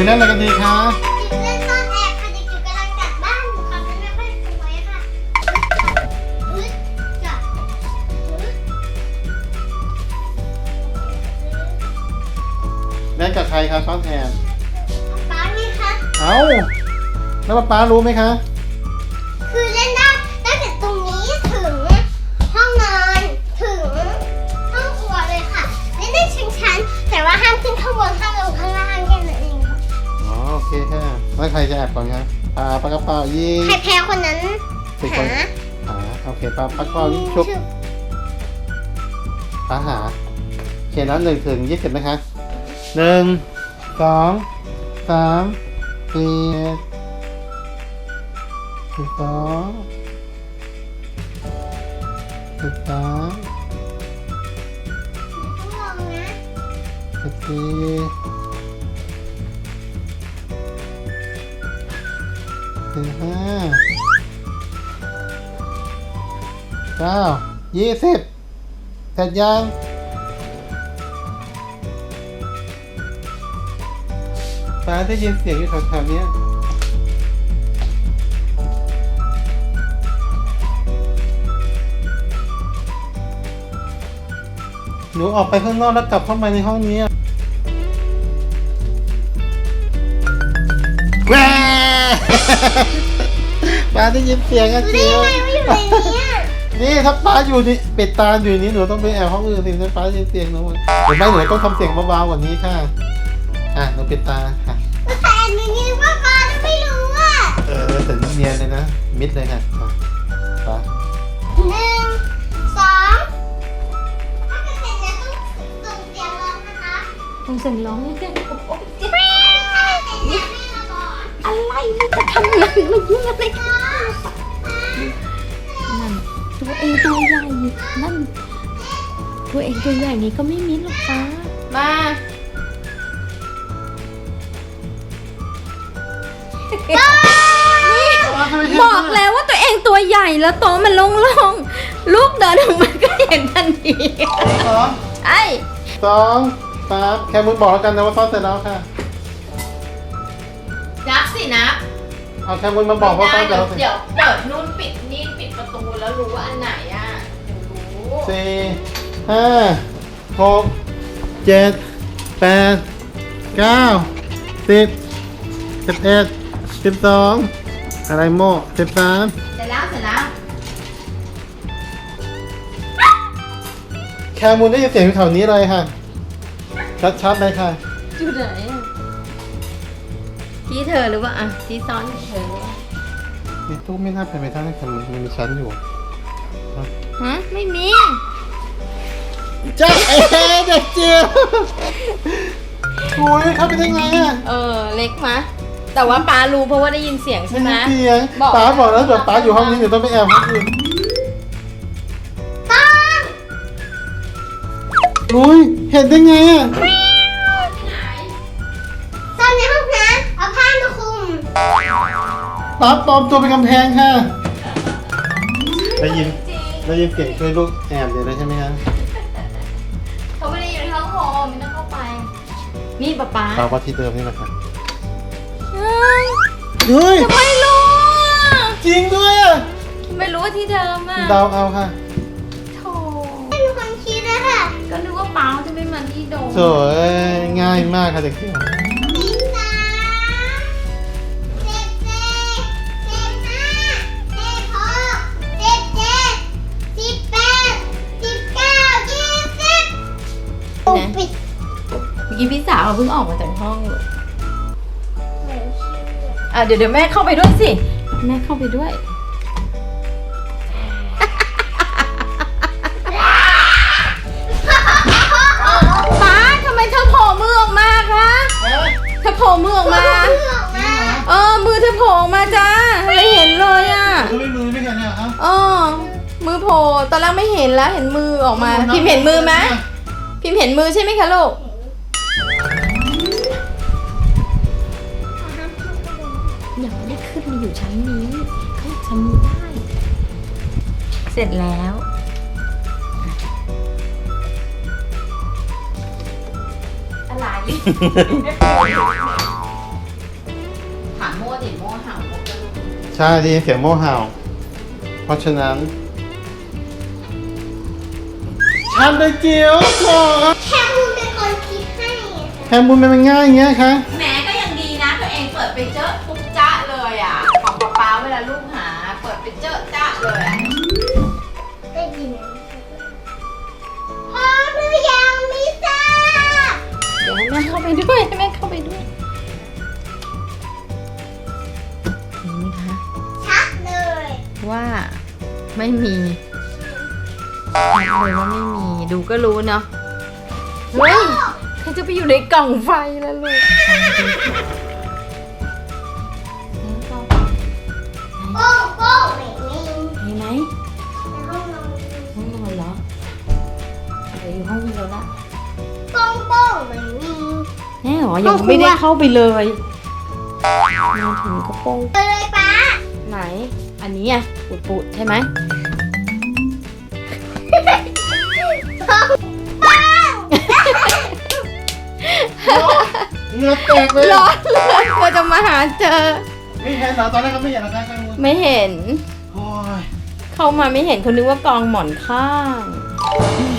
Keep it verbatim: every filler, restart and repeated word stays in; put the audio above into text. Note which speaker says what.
Speaker 1: เล่นอะไรกันดีคะ
Speaker 2: เล่นซ่อนแอบค่ะเด็กอยู่กำลังจัดบ้านอยู่ค่ะมันไม่ค่อยสวยค่ะอึ๊ดจับอึ๊ด
Speaker 1: เล่นกับใครคะซ่อนแอบ
Speaker 2: ป๊านี่คะ
Speaker 1: เอ้าแล้วป๊าป๊ารู้ไหมคะ
Speaker 2: คือเล่นได้ตั้งแต่ตรงนี้ถึงห้องนอนถึงห้องครัวเลยค่ะเล่นได้ชิงชั้นแต่ว่าห้ามขึ้นข้างบนห้ามลงข้างล่างแค่นั้นเองค่ะ
Speaker 1: อ๋อโอเคค่ะแล้วใครจะแอบก่อนคะปลาปลากระเป๋ายิง
Speaker 2: ใครแพ้คนนั้น
Speaker 1: สิบคน
Speaker 2: หา
Speaker 1: หาโอเคปลาปลากระเป๋ายิงชุบปลาหาเขียนแล้วหนึ่งถึงยี่สิบนะคะหนึ่งสองสามสี่สิบสองสิบสาม
Speaker 2: ต้องลองนะ
Speaker 1: สิบสี่สิบห้าเก้ายี่สิบเสร็จยังฟ้าได้ยินเสียงอยู่แถวๆเนี้ยหนูออกไปข้างนอกแล้วกลับเข้ามาในห้องนี้แกรป้าได้ยินเสียงอะ
Speaker 2: รู้ได้
Speaker 1: เจียว
Speaker 2: ยังไงว่าอยู่ในนี้อะ
Speaker 1: นี่ถ้าป้าอยู่นี่ปิดตาอยู่นี่หนูต้องไปแอบห้องอื่นสิถ้าป้าได้ยินเสียงหนูหรือไม่หนูต้องทำเสียงเบาๆกว่านี้ค่ะอ่ะหนูปิดตาค่ะ
Speaker 2: แต่หนูคิดว่าป๊าจะไม่รู้อ่ะ
Speaker 1: เออแต่เนียนเลยนะมิดเลยค่ะอ่ะป้า
Speaker 2: หนึ่งสองถ้าเกิดเสร็จแล้วต้องส่งเสียงร้องนะคะ
Speaker 3: ต้องเสียงร้องให้เสียงโอ๊ะโอ๊ะเจ็บ
Speaker 2: ถ้าเสร็จแล้วแม่มาบอก
Speaker 3: อะไรนี่จะทำอะไรมายุ่งอะไรกันนั่นตัวเองตัวใหญ่นั่นตัวเองตัวใหญ่นี้ก็ไม่มิดหรอกป้ามาบอกแล้วว่าตัวเองตัวใหญ่แล้วโต๊ะมันโล่งๆลูกเดินออกมาก็เห็นทันที
Speaker 1: สอง
Speaker 3: ไอ้
Speaker 1: สองสามแค่มึงบอกแล้วกันนะว่าซ่อนเสร็จแล้วค่ะ
Speaker 4: นับสินับ
Speaker 1: เอาแค่มึงมาบอกว่าซ่อนเสร็จแล้วสิ
Speaker 4: เดี๋ยวเปิดนู่นปิดนี่ปิดประตูแล้วรู้ว่าอันไหนอ่ะเดี๋ยวรู้
Speaker 1: สี่ห้าหกเจ็ดแปดเก้าสิบสิบเอ็ดสิบสองอะไรโม่สิบสาม
Speaker 4: เสร็จแล้วเสร็จแล้ว
Speaker 1: แคมูลได้ยินเสียงอยู่แถวนี้เลยค่ะ ชัดๆเลยค่ะ
Speaker 3: อยู่ไหนอะที่เธอหรือว่าอ่ะที่ซ้อนเธอ
Speaker 1: นี่ตู้ไม่น่าเป็นไปได้ค่ะมันมันมีชั้นอยู่
Speaker 3: ฮะไม่มี
Speaker 1: จ้าเอ๋เด็กเจียวโอ้ยเข้าไปได้ไงอ่ะ
Speaker 3: เออเล็กมะแต่ว่าป้ารู้เพราะว่าได้ยินเสียงใช่ไหม
Speaker 1: เสียง
Speaker 3: บอก
Speaker 1: ป้าบอกแล้วเดี๋ยวป้าอยู่ห้องนี้เดี๋ยวต้องไปแอบห้องอื่น
Speaker 2: ต้อง
Speaker 1: อุ้ยเห็นได้ไงอ่ะ
Speaker 2: ซ่อนในห้องน้ำเอาผ้ามาคลุม
Speaker 1: ป้าปลอมตัวเป็นกำแพงค่ะได้ยินได้ยินเสียงช่วยลูกแอบเลยใช่ไหมฮะ
Speaker 4: เขาไม่ได้อยู่ในห้องโฮมไม่ต้องเข้าไป
Speaker 3: นี่ป้าป้า
Speaker 1: ป้าว่าที่เดิมนี่แหละค่ะ
Speaker 3: เฮ้ย
Speaker 1: เฮ้ย
Speaker 3: ไม่รู้อะ
Speaker 1: จริงด้วยอ่ะ
Speaker 3: ไม่รู้ว่าที่เดิมอ่ะ
Speaker 1: เดาเอาค่ะ
Speaker 3: โถ
Speaker 2: ไม่มีคนคิดเลยค่ะ
Speaker 3: ก็นึกว่าป้าจะไม่มาที่โดม
Speaker 1: สวยง่ายมากค่ะเด็กเจียว
Speaker 2: สิบสามสิบสี่สิบห้าสิบหกสิบเจ็ดสิบแปดสิบเก้ายี่สิบปิด
Speaker 3: เมื่อกี้พี่สาวเพิ่งออกมาจากห้องเลยอ่ะเดี๋ยวเดี๋ยวแม่เข้าไปด้วยสิ แม่เข้าไปด้วย ป้าทำไมเธอโผล่มือออกมาคะเธอโผล่มือออกมา เออ มือเธอโผล่ออกมาจ้าไม่เห็นเลยอ่ะ
Speaker 1: ไม่มือไม่เห็นเนี่ยครับ
Speaker 3: เออมือโผล่ตอนแรกไม่เห็นแล้วเห็นมือออกมา พิมพ์เห็นมือไหมพิมพ์เห็นมือใช่ไหมคะลูกยังไม่ได้ขึ้นมาอยู่ชั้นนี้ขึ้นชั้นนี้ได้ เสร็จแล้ว อะไร
Speaker 1: ใช่ได้ยินเสียงโม่เห่า เพราะฉะนั้นทำได้เจียวก่อน
Speaker 2: แค่คุณเป็นคนคิดให้อะค่ะ
Speaker 1: แฮมบูนมันง่ายอย่างเงี้ยคะ
Speaker 4: แหมก็ยังดีนะตัวเองเปิดไปเจอปุ๊บจ้าเลยอ่ะ ของป๊าป๊าเวลาลูกหา เปิดไปเจอจ้าเลยอะ
Speaker 2: ได้ยินไหมพร้อมหรือยังมิซ่า
Speaker 3: เดี๋ยวให้แม่เข้าไปด้วยให้แม่เข้าไปด้วยเห็นไหมคะ
Speaker 2: ชัดเลย
Speaker 3: ว่าไม่มีชัดเลยว่าไม่มีดูก็รู้เนาะเฮ้ยใครจะไปอยู่ในกล่องไฟแล้วลูก
Speaker 2: โป้งโป้งไม่มี
Speaker 3: เห็นไหม
Speaker 2: ในห้องนอน
Speaker 3: ห้องนอนเหรอเดี๋ยวอยู่ห้องนี้แล้วละ
Speaker 2: โป้งโป้งไม่มี
Speaker 3: แน่หรอยังไม่ได้เข้าไปเลยมาถึงก็โป้ง
Speaker 2: เลยป้า
Speaker 3: ไหน อันนี้อ่ะปูดปูดๆใช่ไหม
Speaker 2: ป้องป้อง
Speaker 1: เหงือแตกเลย
Speaker 3: ร้อนเลยกว่าจะมาหาเจอ
Speaker 1: ไม่เห็นเหรอตอนแรกเขาไม่เห็นหรอคะแฮมบูน
Speaker 3: ไม่เห็น
Speaker 1: โอ้ย
Speaker 3: เข้ามาไม่เห็นเขานึกว่ากองหมอนข้าง
Speaker 1: อืม